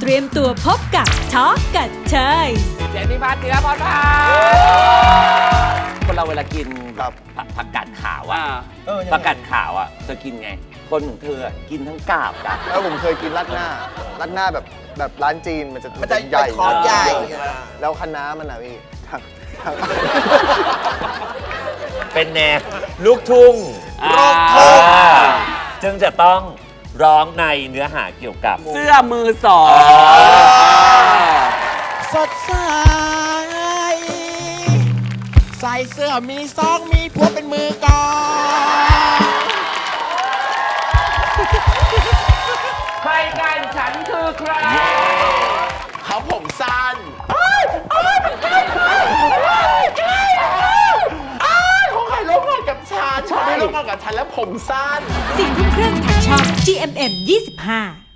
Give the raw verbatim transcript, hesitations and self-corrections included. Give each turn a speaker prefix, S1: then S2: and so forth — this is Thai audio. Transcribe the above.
S1: ตรียมตัวพบกับช็อกกับเชย
S2: เจนนี่พัฒน์ธีรพรพาคนเราเวลากิน
S3: ครับ
S2: ผักผักกาดขาวอะ
S3: เออยังไง
S2: ผักกาดขาวอะเธอกินไง คนของเธออะกินทั้งกาบจ้ะ
S3: แล้วผมเคยกินราดหน้าราดหน้าแบบแบบร้านจีนมันจะ
S4: มันจะ
S3: ใหญ่
S4: คอร์สใหญ่
S3: แล้วคะน้ามันอะพี่ทั้งทั้ง
S5: เป็นแนวลูกทุ่ง
S4: ลูกทุ่ง
S5: อ่าจึงจะต้องร้องในเนื้อหาเกี่ยวกับ
S2: เสื้อมือสอง
S4: สดใสใส่เสื้อมีซองมีผัวเป็นมือกอง
S2: ใครกันฉันคือใคร
S4: เขาผมสั้นเขาใครร่วมงานกับฉันชอบได้ร่วมงานกับฉันแล้วผมสั้น
S1: สิ่งที่เครื่องทางช่อง จี เอ็ม เอ็ม ยี่สิบห้า